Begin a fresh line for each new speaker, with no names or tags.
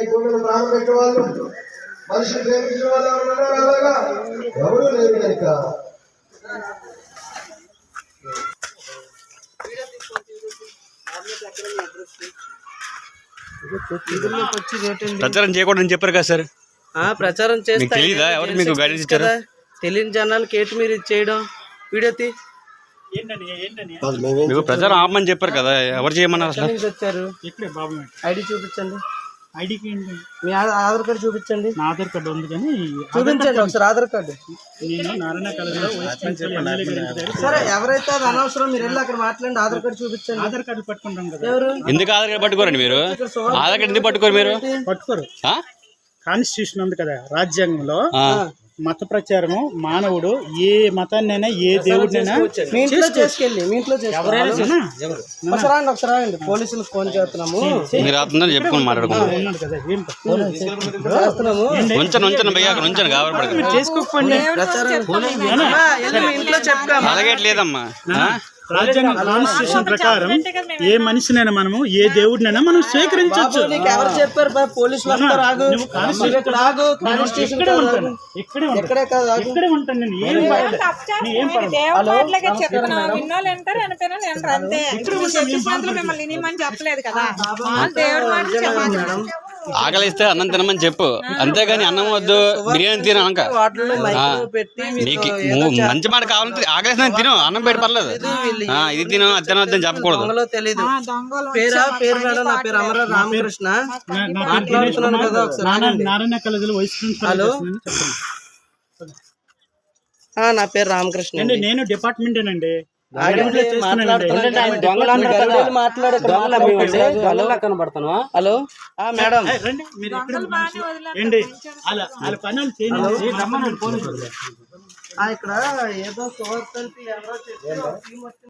ఈ భూమిని ప్రాణం పెట్టే వాళ్ళు మనుషులు ప్రేమించిన వాళ్ళు ఎవరు అలాగా ఎవరు లేరు కనుక
ప్రచారం చేయకూడదని చెప్పారు కదా సార్.
ప్రచారం చేస్తే
తెలీదా? ఎవరు మీకు గైడెన్స్ ఇచ్చారు?
తెలియని జనాలకి ఏంటి మీరు ఇది చేయడం? వీడియో తీ.
మీకు ప్రచారం ఆపమని చెప్పారు కదా, ఎవరు చేయమన్నారు అసలు?
వచ్చారు ఐడి చూపించండి.
ఐడికి
మీ ఆధార్ కార్డు చూపించండి.
నా ఆధార్ కార్డు ఉంది కానీ
చూపించండి ఒకసారి ఆధార్ కార్డు.
నేను నారాయణ కాలేజీలో
సరే ఎవరైతే అది అనవసరం మీరు వెళ్ళి అక్కడ మాట్లాడండి. ఆధార్ కార్డు చూపించండి.
ఆధార్ కార్డు పట్టుకుంటాం కదా.
ఎవరు
ఎందుకు ఆధార్ కార్డు పట్టుకోరండి మీరు? ఆధార్ కార్డు ఎందుకు పట్టుకోరు మీరు?
పట్టుకోరు. కాన్స్టిట్యూషన్ ఉంది కదా రాజ్యాంగంలో, మత ప్రచారము మానవుడు ఏ మతాన్నైనా ఏ దేవుడినైనా
మీ ఇంట్లో చేసుకెళ్ళి మీ ఇంట్లో ఒకసారి పోలీసులకు ఫోన్ చేస్తున్నాము.
మీరు అతను చెప్పుకొని మాట్లాడుకున్నాము.
చేసుకోకపోండి.
ఇంట్లో చెప్తాము.
అలాగే లేదమ్మా.
రాజ్యాంగం కాన్స్టిట్యూషన్ ప్రకారం ఏ మనిషినైనా మనము ఏ దేవుడినైనా మనం స్వీకరించవచ్చు.
ఎవరు చెప్పారు? పోలీసులు వస్తారు.
ఇక్కడే ఉంటాను నేను.
ఆకలిస్తే అన్నం తినమని చెప్పు, అంతేగాని అన్నం వద్దు బిర్యానీ తిన అనక. నీకు మంచి మాట కావాలంటే ఆకలిస్తే తిను, అన్నం పెట్టి పర్లేదు. ఇది తిను అది తినొద్దని చెప్పకూడదు.
తెలీదు పేరు మేడం. నా పేరు అమర రామకృష్ణ. మాట్లాడుతున్నాను కదా ఒకసారి.
నారాయణ కాలేజీలో వైస్ ప్రిన్సిపల్.
నా పేరు రామకృష్ణ అండి.
నేను డిపార్ట్మెంట్ అండి.
హలో మేడం ఇక్కడ ఏదో